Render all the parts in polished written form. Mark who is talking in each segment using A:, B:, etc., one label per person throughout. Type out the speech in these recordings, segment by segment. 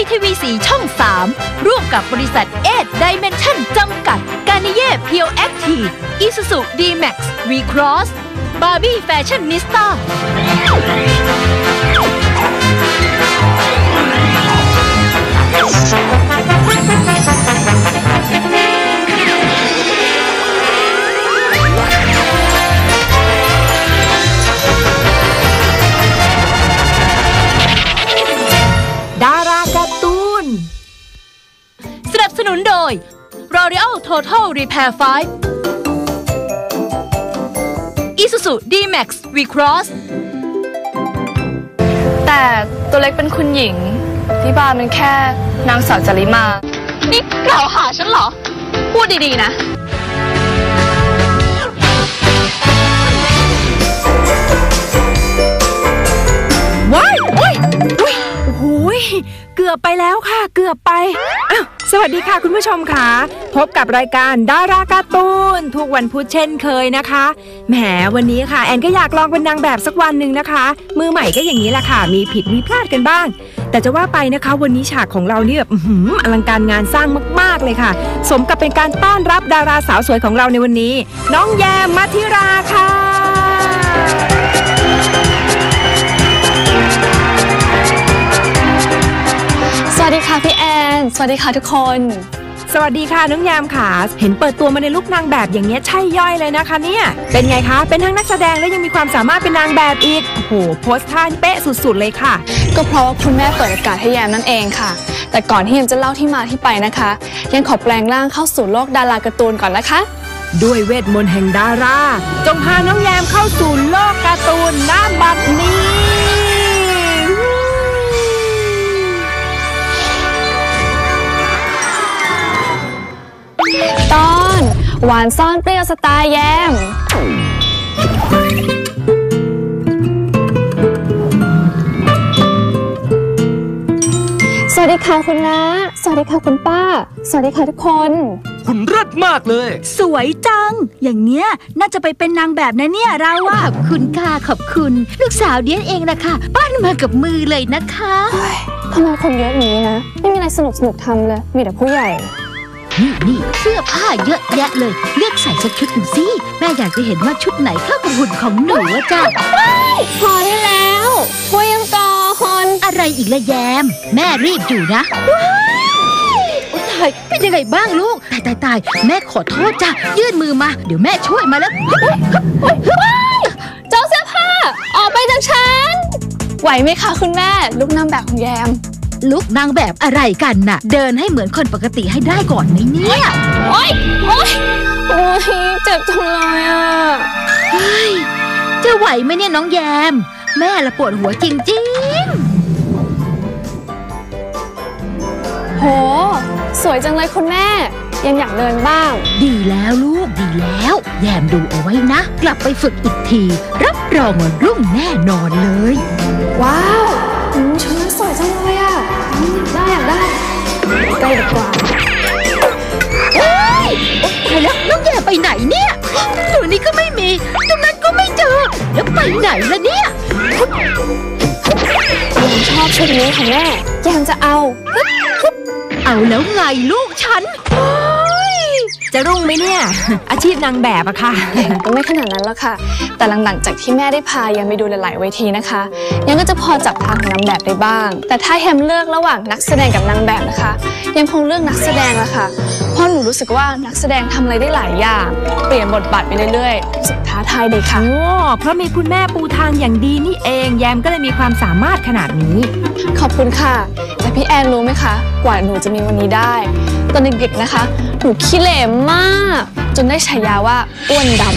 A: ทีวีสีช่อง 3 ร่วมกับบริษัทเอทไดเมนชั่นจำกัดกานิเย่เพียวแอคทีฟอิซูซูดีแม็กซ์วีครอสบาร์บี้แฟชั่นนิสต้า
B: ดาราการ์ตูน
A: สนับสนุนโดย L'Oreal Total Repair 5 Isuzu D-Max V-Cross
C: แต่ตัวเล็กเป็นคุณหญิงที่บ้านมันแค่นางสาวจาริมานี่กล่าวหาฉันเหรอพูดดีๆนะ
B: ว้ายโอ้ยโอ้โหเกือบไปแล้วค่ะเกือบไปอ้าวสวัสดีค่ะคุณผู้ชมค่ะพบกับรายการดาราการ์ตูนทุกวันพุธเช่นเคยนะคะแหมวันนี้ค่ะแอนก็อยากลองเป็นนางแบบสักวันหนึ่งนะคะมือใหม่ก็อย่างนี้แหละค่ะมีผิดมีพลาดกันบ้างแต่จะว่าไปนะคะวันนี้ฉากของเราเนี่ยแบบอลังการงานสร้างมากๆเลยค่ะสมกับเป็นการต้อนรับดาราสาวสวยของเราในวันนี้น้องแยมมัธิราค่ะ
C: สวัสดีค่ะพี่แอนสวัสดีค่ะทุกคน
B: สวัสดีค่ะน้องยามค่ะเห็นเปิดตัวมาในลุคนางแบบอย่างเงี้ยใช่ย่อยเลยนะคะเนี่ยเป็นไงคะเป็นทั้งนักแสดงและยังมีความสามารถเป็นนางแบบอีกโอ้โหโพสท่าเป๊ะสุดๆเลยค่ะ
C: ก็เพราะว่าคุณแม่เปิดโอกาสให้แยมนั่นเองค่ะแต่ก่อนที่แยมจะเล่าที่มาที่ไปนะคะยังขอแปลงร่างเข้าสู่โลกดาราการ์ตูนก่อนนะคะ
B: ด้วยเวทมนต์แห่งดาราจงพาน้องแยมเข้าสู่โลกการ์ตูนณบัดนี้
C: ตอนหวานซ่อนเปรี้ยวสไตล์แยมสวัสดีค่ะคุณน้าสวัสดีค่ะคุณป้าสวัสดีค่ะทุกคน
D: คุณเลิศมากเลย
A: สวยจังอย่างเนี้ยน่าจะไปเป็นนางแบบนะเนี่ยเราอะขอบคุณค่ะขอบคุณลูกสาวเดียนเองนะคะปั้นมากับมือเลยนะคะ
C: ทำไมคนเยอะอย่างนี้นะไม่มีอะไรสนุกทำเลยมีแต่ผู้ใหญ่
A: นี่เสื้อผ้าเยอะแยะเลยเลือกใส่สักชุดหนึ่งสิแม่อยากจะเห็นว่าชุดไหนเข้ากับหุ่นของหนูอะจ้ะ
C: พอได้แล้วช่วยยังก่อน
A: อะไรอีกละแยมแม่รีบอยู่นะตายเป็นยังไงบ้างลูกตายแม่ขอโทษจ้ะยื่นมือมาเดี๋ยวแม่ช่วยมาแล้ว
C: เจ้าเสื้อผ้าออกไปจากฉันไหวไหมคะคุณแม่ลูกนางแบบของแยม
A: ลุกนางแบบอะไรกันน่ะเดินให้เหมือนคนปกติให้ได้ก่อนไหมเนี่ย
C: โอ๊ยเจ็บจังเลยอ่ะ
A: จะไหวไหมเนี่ยน้องแยมแม่ละปวดหัวจริง
C: ๆโหสวยจังเลยคุณแม่ยังอยากเดินบ้าง
A: ดีแล้วลูกดีแล้วแยมดูเอาไว้นะกลับไปฝึกอีกทีรับรองว่ารุ่งแน่นอนเลย
C: ว้าวชุดสวยจังเลยอ่ะอยากได้ใกล้ดีกว่า
A: ตายแล้วน้องแยมไปไหนเนี่ยตัวนี้ก็ไม่มีตรงนั้นก็ไม่เจอแล้วไปไหนล่ะเนี่ย
C: แยมชอบชุดนี้ของแม่แยมจะเอา
A: แล้วไงลูกฉัน
B: จะรุ่งไหมเนี่ยอาชีพนางแบบอะค่ะ
C: ก็ไม่ขนาดนั้นแล้วค่ะแต่หลังจากที่แม่ได้พายังไปดูหลายๆเวทีนะคะยังก็จะพอจับทางของนางแบบได้บ้างแต่ถ้าแฮมเลือกระหว่างนักแสดงกับนางแบบนะคะยังคงเลือกนักแสดงละค่ะเพราะหนูรู้สึกว่านักแสดงทำอะไรได้หลายอย่างเปลี่ยนบทบาทไปเรื่อยๆรู้สึกท้าทายดีค่ะ
B: เพราะมีคุณแม่ปูทางอย่างดีนี่เองแยมก็เลยมีความสามารถขนาดนี้
C: ขอบคุณค่ะแต่พี่แอนรู้ไหมคะกว่าหนูจะมีวันนี้ได้ตอนเด็กๆนะคะหนูขี้เหร่มากจนได้ฉายาว่าอ้วนดำ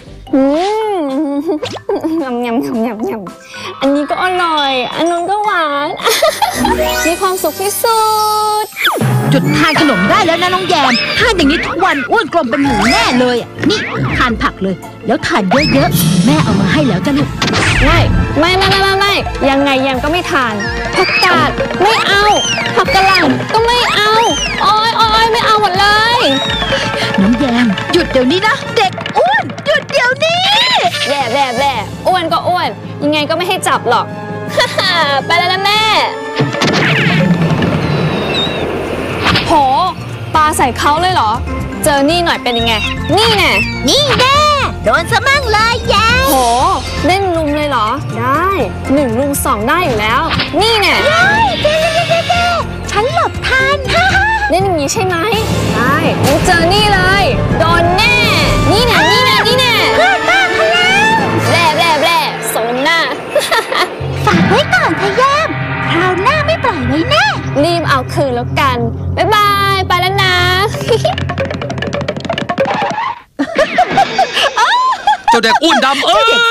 C: ยำอันนี้ก็อร่อยอันนู้นก็หวานมีความสุขที่สุด
A: จุดทานขนมได้แล้วนะน้องแยมทานอย่างนี้ทุกวันอ้วนกลมเป็นหมูแน่เลยนี่ทานผักเลยแล้วทานเยอะๆแม่เอามาให้แล้วจ้ะลูก
C: ไม่ยังไงแยมก็ไม่ทานผักกาดไม่เอาผักกะหล่ำก็ไม่เอาอ้อยไม่เอาหมดเลย
A: น้องแยมหยุดเดี๋ยวนี้นะเด็กอ้วนหยุดเดี๋ยวนี้
C: แย่อ้วนก็อ้วนยังไงก็ไม่ให้จับหรอกไปแล้วนะแม่าใส่เขาเลยเหรอเจอนี่หน่อยเป็นยังไงนี่แน่นี่แน่โดนซะมั่งเลยแย่โหเล่นลุมเลยเหรอได้1 ลุม 2ได้อยู่แล้วนี่แน่ฉันหลบทันเล่นอย่างนี้ใช่ไหมได้งั้นเจอนี่เลยโดนแน่นี่แน่นี่แน่นี่แน่เพื่อนบ้าพลังแบร่สมหน้าฝากไว้ก่อนพะแยมคราวหน้าไม่ปล่อยไว้แน่รีบเอาคืนแล้วกันบ๊ายบายไปแล้วนะ
D: เจ้าเด็กอ้วนดำ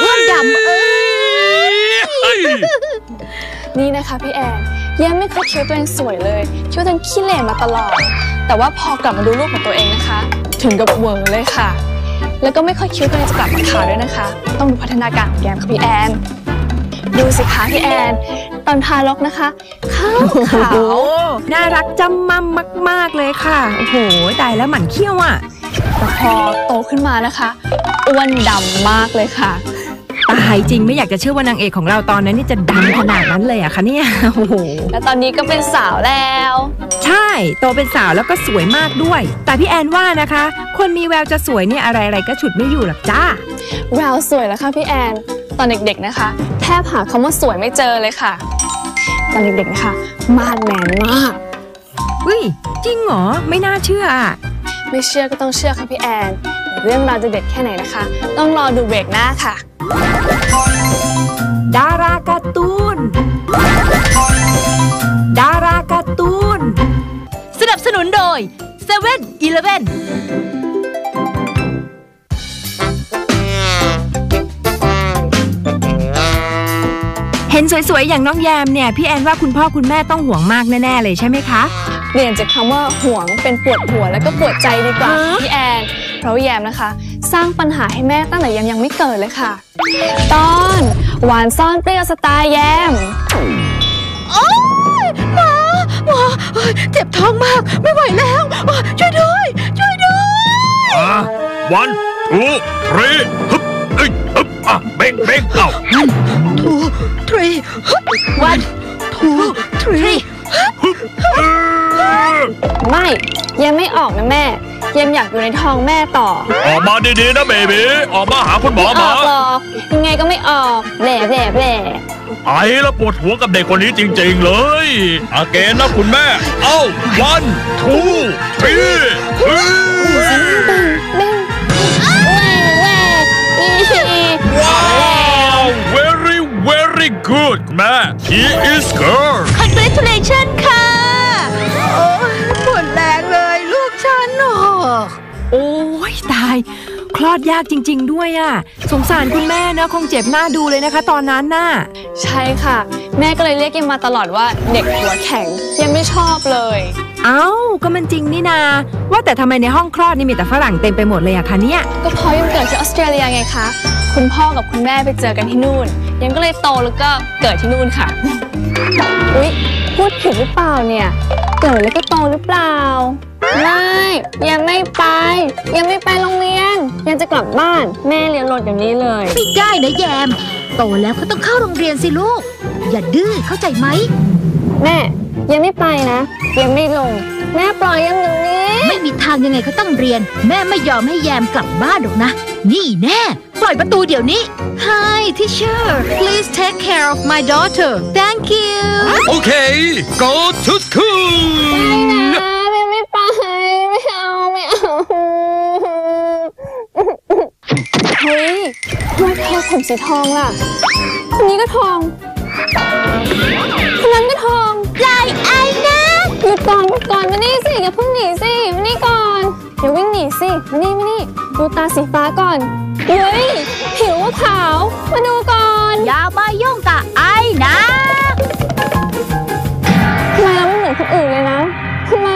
C: นี่นะคะพี่แอนยังไม่เคยคิดว่าตัวเองสวยเลยคิดว่าตัวเองขี้เหร่มาตลอดแต่ว่าพอกลับมาดูรูปของตัวเองนะคะถึงกับเวอร์เลยค่ะแล้วก็ไม่ค่อยคิดว่าตัวเองจะกลับมาขาวด้วยนะคะต้องดูพัฒนาการของแกมค่ะพี่แอนดูสิคะพี่แอนตอนทารกนะคะขาว
B: น่ารักจำมั่มมากๆเลยค่ะโอ้โหตายแล้วหมั่นเขี้ยวอ่ะ
C: แต่พอโตขึ้นมานะคะอ้วนดำมากเลยค่ะ
B: ตายจริงไม่อยากจะเชื่อว่านางเอกของเราตอนนั้นนี่จะดำขนาดนั้นเลยอะคะเนี่ยโอ้โห
C: แล้วตอนนี้ก็เป็นสาวแล้ว
B: ใช่โตเป็นสาวแล้วก็สวยมากด้วยแต่พี่แอนว่านะคะคนมีแววจะสวยเนี่ยอะไรๆก็ฉุดไม่อยู่หรอกจ้า
C: แววสวยแล้วค่ะพี่แอนตอนเด็กๆนะคะแทบหาคำว่าสวยไม่เจอเลยค่ะตอนเด็กๆนะคะมาดแมนมาก
B: อุ้ยจริงเหรอไม่น่าเชื่ออะ
C: ไม่เชื่อก็ต้องเชื่อค่ะพี่แอนเรื่องราวจะเด็ดแค่ไหนนะคะต้องรอดูเบรกหน้าค่ะ
B: ดาราการ์ตูน
A: สนับสนุนโดย 7-Eleven
B: เห็นสวยๆอย่างน้องแยมเนี่ยพี่แอนว่าคุณพ่อคุณแม่ต้องห่วงมากแน่ๆเลยใช่ไหมคะ
C: เปลี่ยนจากคำว่าห่วงเป็นปวดหัวแล้วก็ปวดใจดีกว่าพี่แอนเพราะแยมนะคะสร้างปัญหาให้แม่ตั้งแต่ยังไม่เกิดเลยค่ะตอนหวานซ่อนเปรี้ยวสไตล์แยม
A: โอ๊ยหมอเจ็บท้องมากไม่ไหวแล้วช่วยด้วย
E: 1 2 3ฮึบฮึบเบ่งเอ้า
A: 1 2 3 1 2 3
C: ไม่ยังไม่ออกนะแม่ยังอยากอยู่ในท้องแม่ต่อ
E: ออกมาดีๆนะเบบีออกมาหาคุณหมอมา
C: ไม่ออกหรอกยังไงก็ไม่ออกแหล่
E: ไอ้แล้วปวดหัวกับเด็กคนนี้จริงๆเลยอาเกนนะคุณแม่เอ้า1 2 3ว้าว very good แม่ he is girl
A: congratulations ค่ะปวดแรงเลยลูกฉัน
B: โอ้ยตายคลอดยากจริงๆด้วยอ่ะสงสารคุณแม่นะคงเจ็บหน้าดูเลยนะคะตอนนั้นน่ะ
C: ใช่ค่ะแม่ก็เลยเรียกยังมาตลอดว่าเด็กหัวแข็งยังไม่ชอบเลย
B: เอ้าก็มันจริงนี่นาว่าแต่ทำไมในห้องคลอดนี่มีแต่ฝรั่งเต็มไปหมดเลยอะคะเนี่ย
C: ก็เพราะยังเกิดที่ออสเตรเลียไงคะคุณพ่อกับคุณแม่ไปเจอกันที่นู่นยังก็เลยโตแล้วก็เกิดที่นู่นค่ะอุ๊ยพูดผิดหรือเปล่าเนี่ยเกิดแล้วก็โตหรือเปล่าไม่ยังไม่ไปโรงเรียนยังจะกลับบ้านแม่เรียนรถอย่างนี้เลย
A: ไม่ได้นะแยมโตแล้วก็ต้องเข้าโรงเรียนสิลูกอย่าดื้อเข้าใจไหม
C: แม่ยังไม่ไปนะยังไม่ลงแม่ปล่อยยังอย่างนี้
A: ไม่มีทางยังไงก็ต้องเรียนแม่ไม่ยอมให้แยมกลับบ้านหรอกนะนี่แน่ปล่อยประตูเดี๋ยวนี้ Hi teacher please take care of my daughter thank you
D: Okay go to school
C: ไม่ไปไม่เอาเฮ้ยทำไมเธอผมสีทองล่ะคนนี้ก็ทองคนนั้นก็ทอง
A: ลายไอ้นะ
C: หยุดก่อนมานี่สิอย่าเพิ่งหนีสิมานี่ก่อนอย่าวิ่งหนีสิมานี่ดูตาสีฟ้าก่อนเฮ้ยผิวขาวมาดูก่อน
A: อย่ามายุ่งกับไอ้นะ
C: ทำไมเราไม่เหมือนคนอื่นเลยนะทำไม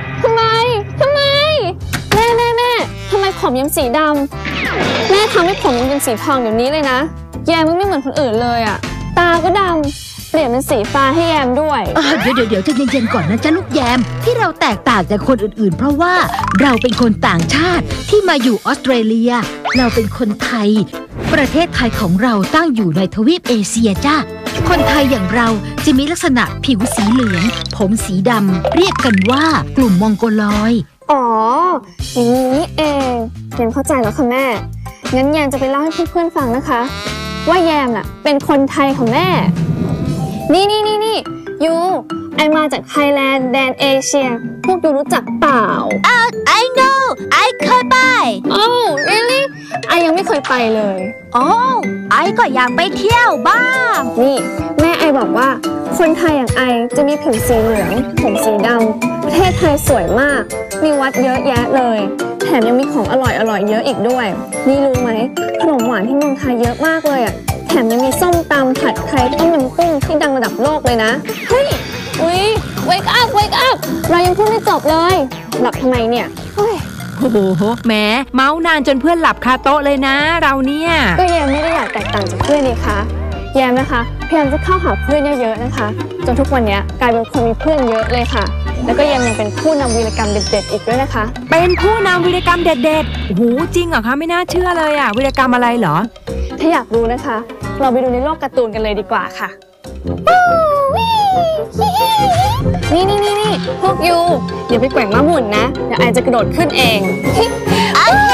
C: แม่ทำไมผมยังสีดำแม่ทำให้ผมเป็นสีทองแบบนี้เลยนะแยมไม่เหมือนคนอื่นเลยอ่ะตาก็ดำเปลี่ยนเป็นสีฟ้าให้แยมด้วย
A: เดี๋ยวใจเย็นๆก่อนนะจ๊ะลูกแยมที่เราแตกต่างจากคนอื่นๆเพราะว่าเราเป็นคนต่างชาติที่มาอยู่ออสเตรเลียเราเป็นคนไทยประเทศไทยของเราตั้งอยู่ในทวีปเอเชียจ้ะคนไทยอย่างเราจะมีลักษณะผิวสีเหลืองผมสีดำเรียกกันว่ากลุ่มมองโกลอย
C: อ๋ออย่างนี้นี่เองแยมเข้าใจแล้วค่ะแม่งั้นแยมจะไปเล่าให้เพื่อนๆฟังนะคะว่าแยมน่ะเป็นคนไทยของแม่นี่ยูไอมาจากไทยแลนด์แดนเอเชียพวกยูรู้จักเปล่า
A: I know I เคยไป
C: Oh really ไอยังไม่เคยไปเลย
A: ไอก็อยากไปเที่ยวบ้าง
C: นี่แม่ไอบอกว่าคนไทยอย่างไอจะมีผิวสีเหลืองผมสีดำประเทศไทยสวยมากมีวัดเยอะแยะเลยแถมยังมีของอร่อยเยอะอีกด้วยนี่รู้ไหมขนมหวานที่เมืองไทยเยอะมากเลยอ่ะแถมยังมีส้มตำผัดไทยต้มยำกุ้งที่ดังระดับโลกเลยนะเฮ้ยwake up เรายังพูดไม่จบเลยหลับทำไมเนี่ยเฮ้ย
B: โอ้โหแหมเมาส์นานจนเพื่อนหลับคาโต๊ะเลยนะเราเนี่ย
C: ก็แยมไม่ได้อยากแตกต่างจากเพื่อนนี่คะแยมนะคะพยายามจะเข้าหาเพื่อนเยอะๆนะคะจนทุกวันนี้กลายเป็นคนมีเพื่อนเยอะเลยค่ะแล้วก็แยมยังเป็นผู้นำวีรกรรมเด็ดๆอีกด้วยนะคะ
B: เป็นผู้นำวีรกรรมเด็ดๆโอ้โหจริงเหรอคะไม่น่าเชื่อเลยอะวีรกรรมอะไรเหรอ
C: ถ้าอยากรู้นะคะเราไปดูในโลกการ์ตูนกันเลยดีกว่าค่ะนี่พวกยูอย่าไปแกว่งม้าหมุนนะเดี๋ยวไอจะกระโดดขึ้นเอง
A: โอเค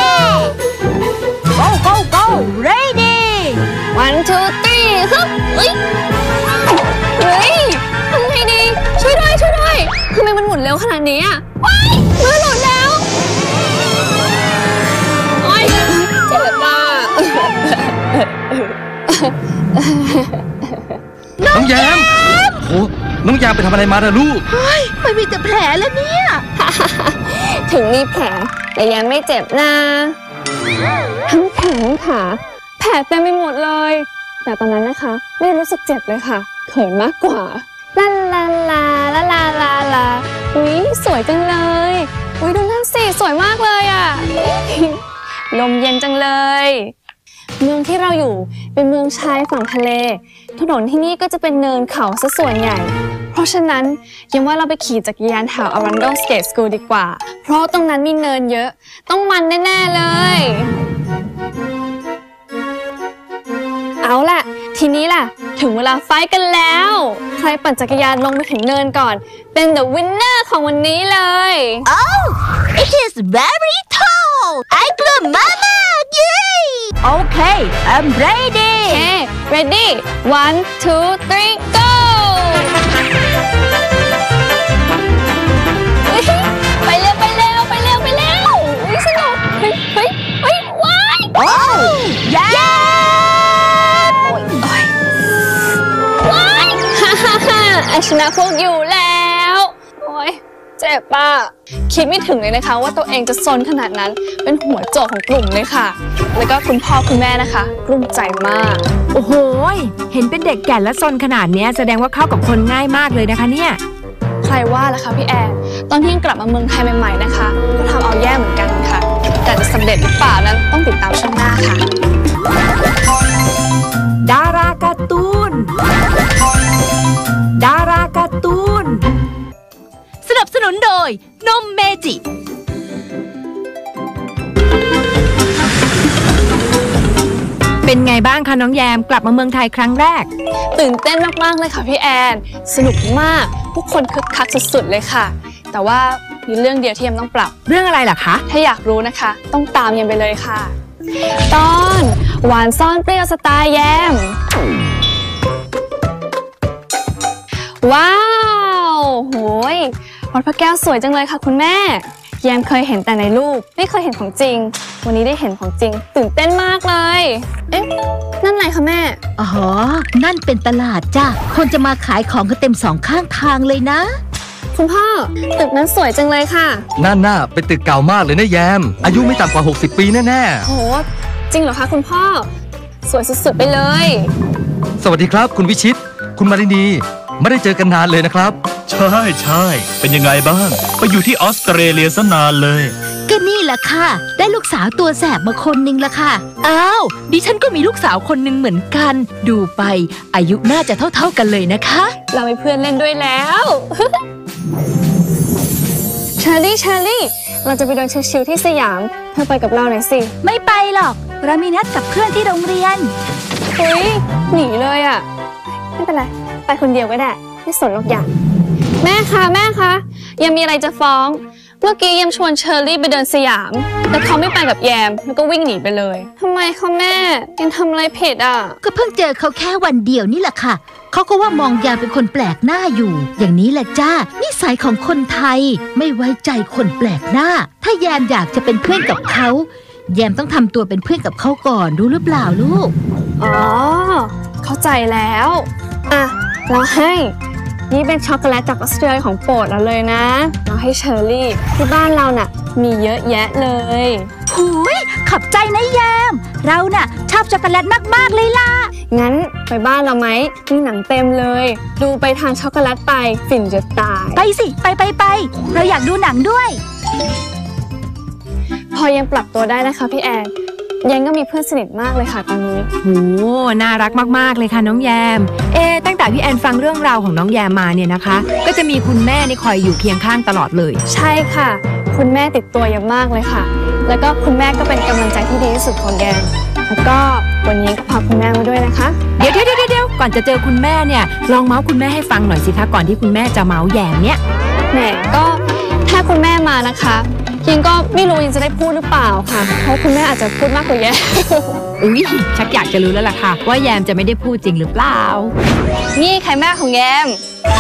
A: go ready
C: 1 2 3ฮึบเฮ้ยทำไงดีช่วยด้วยทำไมมันหมุนเร็วขนาดนี้อ่ะว้ายมือหลุดแล้วโอ๊ยเจ็บมาก
D: น้องแยมโอ้น้องแยมไปทำอะไรมาล่ะลูก
A: ไม่มีแต่แผลแล้วเนี่ย
C: ถึงมีแผลแต่ยังไม่เจ็บนะทั้งแขนทั้งขาแผลเต็มไปหมดเลยแต่ตอนนั้นนะคะไม่รู้สึกเจ็บเลยค่ะเขินมากกว่าลาอุ๊ยสวยจังเลยอุ๊ยดูนั่นสิสวยมากเลยอ่ะลมเย็นจังเลยเมืองที่เราอยู่เป็นเมืองชายฝั่งทะเลถนนที่นี่ก็จะเป็นเนินเขาซะส่วนใหญ่เพราะฉะนั้นยังว่าเราไปขี่จักรยานแถว Arundel Skate School ดีกว่าเพราะตรงนั้นมีเนินเยอะต้องมันแน่ๆเลยเอาล่ะทีนี้ล่ะถึงเวลาไฟท์กันแล้วใครปั่นจักรยานลงไปถึงเนินก่อนเป็น the winner ของวันนี้เลย
A: it is very tall ไอ้กลัวมากๆ yay okay I'm ready
C: ready 1 2 3 go ไปเร็วอุ๊ยสนุกเฮ้ยว้ายว้ายไอชนะพวกอยู่แล้วโอ๊ยเจ็บป่ะคิดไม่ถึงเลยนะคะว่าตัวเองจะซนขนาดนั้นเป็นหัวโจกของกลุ่มเลยค่ะแล้วก็คุณพ่อคุณแม่นะคะกลุ้มใจมาก
B: โอ้โหเห็นเป็นเด็กแก่นและซนขนาดนี้แสดงว่าเข้ากับคนง่ายมากเลยนะคะเนี่ย
C: ใครว่าล่ะคะพี่แอนตอนที่ยังกลับมาเมืองไทยใหม่ๆนะคะก็ทำเอาแย่เหมือนกันค่ะแต่จะสำเร็จหรือเปล่านั้นต้องติดตามช่วงหน้าค่ะ
B: ดาราการ์ตูน
A: สนับสนุนโดยนมเมจิ
B: เป็นไงบ้างคะน้องแยมกลับมาเมืองไทยครั้งแรก
C: ตื่นเต้นมากๆเลยค่ะพี่แอนสนุกมากผู้คนคึกคักสุดๆเลยค่ะแต่ว่ามีเรื่องเดียวที่แยมต้องปรับ
B: เรื่องอะไรล่ะคะ
C: ถ้าอยากรู้นะคะต้องตามแยมไปเลยค่ะตอนหวานซ่อนเปรี้ยวสไตล์แยมว้าวโหยวัดพระแก้วสวยจังเลยค่ะคุณแม่แยมเคยเห็นแต่ในรูปไม่เคยเห็นของจริงวันนี้ได้เห็นของจริงตื่นเต้นมากเลยเอ๊ะนั่นอะไรคะแม่
A: อ๋อนั่นเป็นตลาดจ้ะคนจะมาขายของกันเต็มสองข้างทางเลยนะ
C: คุณพ่อตึกนั้นสวยจังเลยค่ะ
D: นั่นน่ะเป็นตึกเก่ามากเลยนะแยมอายุไม่ต่ำกว่า60 ปีแน่
C: ๆโหจริงเหรอคะคุณพ่อสวยสุดๆไปเลย
D: สวัสดีครับคุณวิชิตคุณมารินีไม่ได้เจอกันนานเลยนะครับ
E: ใช่เป็นยังไงบ้างไปอยู่ที่ออสเตรเลียซะนานเลย
A: ก็นี่แหละค่ะได้ลูกสาวตัวแสบมาคนนึงละค่ะอ้าวดิฉันก็มีลูกสาวคนนึงเหมือนกันดูไปอายุน่าจะเท่ากันเลยนะคะ
C: เรามีเพื่อนเล่นด้วยแล้วเชอรี่เราจะไปเดินชิลๆที่สยามเธอไปกับเราหน่อยสิ
A: ไม่ไปหรอกเรามีนัดกับเพื่อนที่โรงเรียน
C: เฮ้ยหนีเลยอ่ะไม่เป็นไรไปคนเดียวก็ได้ไม่สนหรอกอย่างแม่คะยังมีอะไรจะฟ้องเมื่อกี้แยมชวนเชอรี่ไปเดินสยามแต่เขาไม่ไปกับแยมแล้วก็วิ่งหนีไปเลยทำไมคะแม่ยังทำอะไรผิดอ่ะ
A: ก็เพิ่งเจอเขาแค่วันเดียวนี่แหละค่ะเขาก็ว่ามองยามเป็นคนแปลกหน้าอยู่อย่างนี้แหละจ้านิสัยของคนไทยไม่ไว้ใจคนแปลกหน้าถ้าแยมอยากจะเป็นเพื่อนกับเขาแยมต้องทำตัวเป็นเพื่อนกับเขาก่อนรู้หรือเปล่าลูก
C: อ๋อเข้าใจแล้วอ่ะเราให้นี่เป็นช็อกโกแลตจากออสเตรเลียของโปรดเราเลยนะเราให้เชอรี่ที่บ้านเราน่ะมีเยอะแยะเลย
A: หูยขอบใจนะแยมเราน่ะชอบช็อกโกแลตมากๆเลยล่ะ
C: งั้นไปบ้านเราไหมมีหนังเต็มเลยดูไปทานช็อกโกแลตไปฝิ่นจะตาย
A: ไปสิไปเราอยากดูหนังด้วย
C: พอยังปรับตัวได้นะคะพี่แอนยังก็มีเพื่อนสนิทมากเลยค่ะตอนนี้
B: โหน่ารักมากๆเลยค่ะน้องแยมตั้งแต่พี่แอนฟังเรื่องราวของน้องแยมมาเนี่ยนะคะก็จะมีคุณแม่นี่คอยอยู่เคียงข้างตลอดเลย
C: ใช่ค่ะคุณแม่ติดตัวแยมมากเลยค่ะแล้วก็คุณแม่ก็เป็นกำลังใจที่ดีที่สุดของแยมแล้วก็วันนี้ก็พาคุณแม่มาด้วยนะคะ
B: เดี๋ยวก่อนจะเจอคุณแม่เนี่ยลองเมาส์คุณแม่ให้ฟังหน่อยสิคะก่อนที่คุณแม่จะเมาส์แยมเนี่ย
C: แหมก็ถ้าคุณแม่มานะคะยังก็ไม่รู้ยังจะได้พูดหรือเปล่าค่ะเพราะคุณแม่อาจจะพูดมากกว่าแยม
B: อุ๊ยชักอยากจะรู้แล้วล่ะค่ะว่าแยมจะไม่ได้พูดจริงหรือเปล่า
C: นี่ใครแม่ของแยม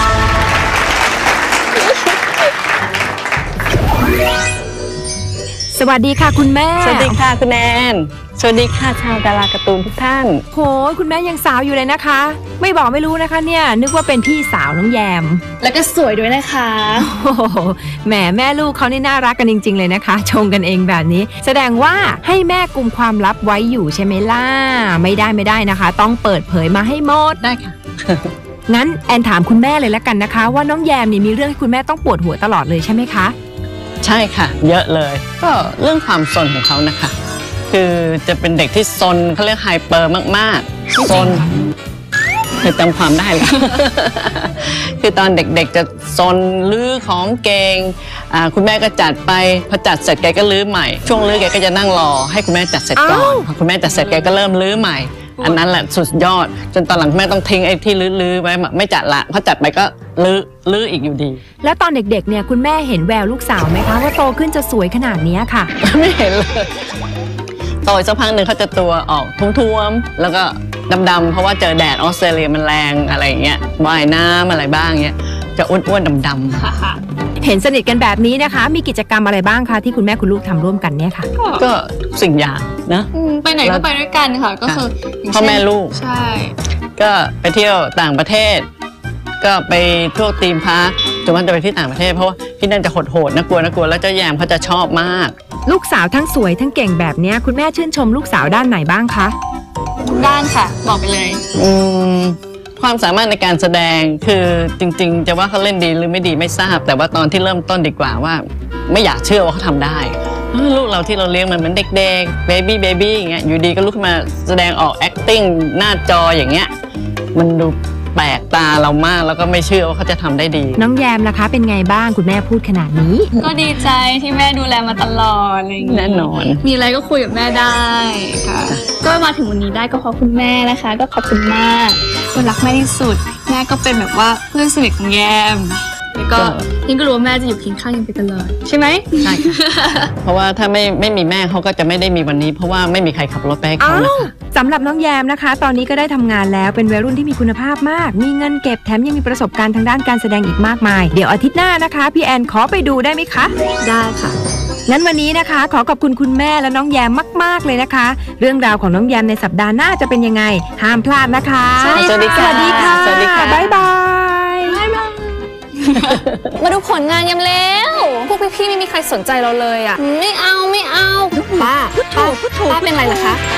B: สวัสดีค่ะคุณแม่
F: สวัสดีค่ะคุณแอนสวัสดีค่ะชาวดาราการ์ตูนทุกท่าน
B: โหคุณแม่ยังสาวอยู่เลยนะคะไม่บอกไม่รู้นะคะเนี่ยนึกว่าเป็นพี่สาวน้องแยม
C: แล้วก็สวยด้วยนะคะ
B: โอ้โหแหมแม่ลูกเขานี่น่ารักกันจริงๆเลยนะคะชงกันเองแบบนี้แสดงว่าให้แม่กุมความลับไว้อยู่ใช่ไหมล่ะไม่ได้นะคะต้องเปิดเผยมาให้หมด
F: ได้ค่ะ
B: งั้นแอนถามคุณแม่เลยละกันนะคะว่าน้องแยมนี่มีเรื่องให้คุณแม่ต้องปวดหัวตลอดเลยใช่ไหมคะ
F: ใช่ค่ะเยอะเลยก็เรื่องความซนของเขานะคะคือจะเป็นเด็กที่ซนเขาเรียกไฮเปอร์มากๆซนคือจำความได้เลย คือตอนเด็กๆจะซนลื้อของเก่งคุณแม่ก็จัดไปพอจัดเสร็จแกก็ลื้อใหม่ช่วงลื้อแกก็จะนั่งรอให้คุณแม่จัดเสร็จก่อนพอคุณแม่จัดเสร็จแกก็เริ่มลื้อใหม่อันนั้นแหละสุดยอดจนตอนหลังแม่ต้องทิ้งไอ้ที่ลื้อไว้ไม่จัดละพอจัดไปก็ลื้ออีกอยู่ดี
B: แล้วตอนเด็กๆเนี่ยคุณแม่เห็นแววลูกสาวไหมคะว่าโตขึ้นจะสวยขนาดนี้ค่ะ
F: ไม่เห็นเลยโตสักพักหนึ่งเขาจะตัวออกท้วมๆแล้วก็ดำๆเพราะว่าเจอแดดออสเตรเลียมันแรงอะไรอย่างเงี้ยว่ายน้ำอะไรบ้างเงี้ยจะอ้วนๆดำ
B: ๆเห็นสนิทกันแบบนี้นะคะมีกิจกรรมอะไรบ้างคะที่คุณแม่คุณลูกทำร่วมกันเนี่ยค่ะ
F: ก็สิ่งอย่างนะ
C: ไปไหนก็ไปด้วยกันค่ะก็คือ
F: พ่อแม่ลูก
C: ใช่
F: ก็ไปเที่ยวต่างประเทศก็ไปทั่วธีมพาร์คจนวันจะไปที่ต่างประเทศเพราะว่าที่นั่นจะโหดๆน่ากลัวแล้วเจ้าแยมเขาจะชอบมาก
B: ลูกสาวทั้งสวยทั้งเก่งแบบนี้คุณแม่ชื่นชมลูกสาวด้านไหนบ้างคะ
C: ด้านค่ะบอกไปเลย
F: ความสามารถในการแสดงคือจริงๆจะว่าเขาเล่นดีหรือไม่ดีไม่ทราบแต่ว่าตอนที่เริ่มต้นดีกว่าว่าไม่อยากเชื่อว่าเขาทำได้ลูกเราที่เราเลี้ยงมันเหมือนเด็กๆเบบี้อย่างเงี้ยอยู่ดีก็ลุกขึ้นมาแสดงออก acting หน้าจออย่างเงี้ยมันดูแปลกตาเรามากแล้วก็ไม่เชื่อว่าเขาจะทำได้ดี
B: น้องแยมนะคะเป็นไงบ้างคุณแม่พูดขนาดนี้
C: ก็ดีใจที่แม่ดูแลมาตลอดอะไรอย่างเงี้ย
F: แน่นอน
C: มีอะไรก็คุยกับแม่ได้ค่ะก็มาถึงวันนี้ได้ก็เพราะคุณแม่นะคะก็ขอบคุณมากคนรักแม่ที่สุดแม่ก็เป็นแบบว่าเพื่อนสนิทของแยมแล้วก็ยิ่งก็รู้ว่าแม่จะอยู่เคียงข้างยังไปตลอดใช่ไหม
F: ใช่ค่ะเพราะว่าถ้าไม่มีแม่เขาก็จะไม่ได้มีวันนี้เพราะว่าไม่มีใครขับรถไปให้เขานะคะ
B: สำหรับน้องแยมนะคะตอนนี้ก็ได้ทำงานแล้วเป็นวัยรุ่นที่มีคุณภาพมากมีเงินเก็บแถมยังมีประสบการณ์ทางด้านการแสดงอีกมากมายเดี๋ยวอาทิตย์หน้านะคะพี่แอนขอไปดูได้ไหมคะ
C: ได้ค่ะ
B: งั้นวันนี้นะคะขอขอบคุณคุณแม่และน้องแยมมากๆเลยนะคะเรื่องราวของน้องแยมในสัปดาห์หน้าจะเป็นยังไงห้ามพลาดนะคะ
F: สวัสดีค่ะ
B: สวัสดีค่ะบ๊ายบาย
C: มาดูผลงานยำแล้วพวกพี่ๆไม่มีใครสนใจเราเลยอ่ะไม่เอาป้าเป็นไรล่ะคะ